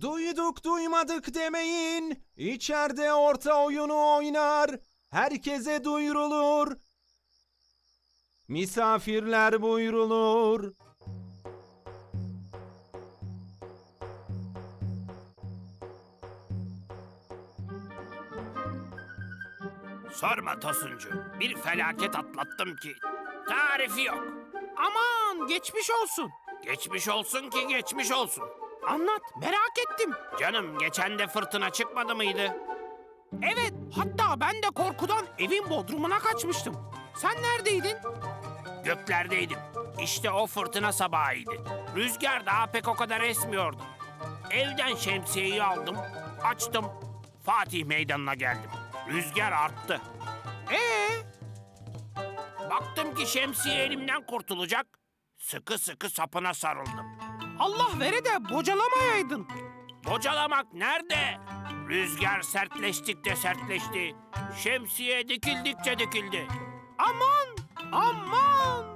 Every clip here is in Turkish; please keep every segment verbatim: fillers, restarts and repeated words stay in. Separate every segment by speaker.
Speaker 1: Duyduk duymadık demeyin. İçeride orta oyunu oynar. Herkese duyurulur. Misafirler buyrulur.
Speaker 2: Sorma Tosuncu. Bir felaket atlattım ki. Tarifi yok.
Speaker 3: Aman geçmiş olsun.
Speaker 2: Geçmiş olsun ki geçmiş olsun.
Speaker 3: Anlat, merak ettim.
Speaker 2: Canım geçen de fırtına çıkmadı mıydı?
Speaker 3: Evet, hatta ben de korkudan evin bodrumuna kaçmıştım. Sen neredeydin?
Speaker 2: Göklerdeydim. İşte o fırtına sabahıydı. Rüzgar daha pek o kadar esmiyordu. Evden şemsiyeyi aldım, açtım. Fatih Meydanı'na geldim. Rüzgar arttı.
Speaker 3: Ee,
Speaker 2: Baktım ki şemsiye elimden kurtulacak. Sıkı sıkı sapına sarıldım.
Speaker 3: Allah vere de bocalamayaydın.
Speaker 2: Bocalamak nerede? Rüzgar sertleştikçe sertleşti. Şemsiye dikildikçe dikildi.
Speaker 3: Aman, aman.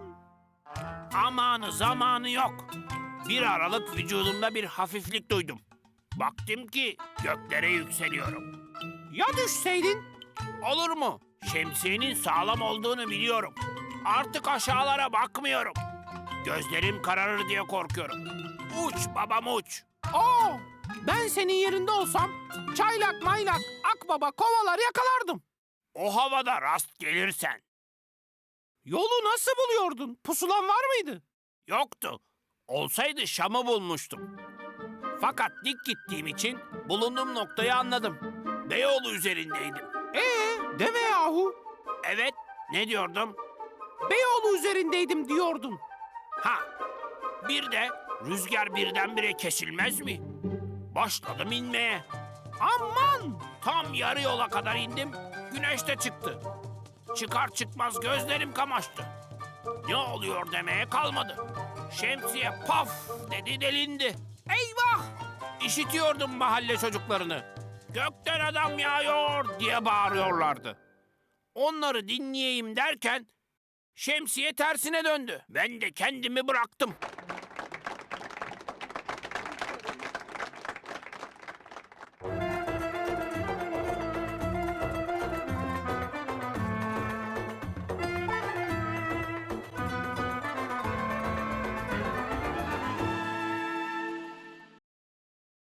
Speaker 2: Amanı zamanı yok. Bir aralık vücudumda bir hafiflik duydum. Baktım ki göklere yükseliyorum.
Speaker 3: Ya düşseydin?
Speaker 2: Olur mu? Şemsiyenin sağlam olduğunu biliyorum. Artık aşağılara bakmıyorum. Gözlerim kararır diye korkuyorum. Uç babam uç.
Speaker 3: Aa, ben senin yerinde olsam çaylak maylak akbaba kovalar yakalardım.
Speaker 2: O havada rast gelirsen.
Speaker 3: Yolu nasıl buluyordun? Pusulan var mıydı?
Speaker 2: Yoktu. Olsaydı Şam'ı bulmuştum. Fakat dik gittiğim için bulunduğum noktayı anladım. Beyoğlu üzerindeydim.
Speaker 3: Ee, deme yahu.
Speaker 2: Evet, ne diyordum?
Speaker 3: Beyoğlu üzerindeydim diyordun.
Speaker 2: Ha, bir de rüzgar birdenbire kesilmez mi? Başladım inmeye.
Speaker 3: Aman!
Speaker 2: Tam yarı yola kadar indim, güneş de çıktı. Çıkar çıkmaz gözlerim kamaştı. Ne oluyor demeye kalmadı. Şemsiye paf dedi delindi. Eyvah! İşitiyordum mahalle çocuklarını. Gökten adam yağıyor diye bağırıyorlardı. Onları dinleyeyim derken şemsiye tersine döndü. Ben de kendimi bıraktım.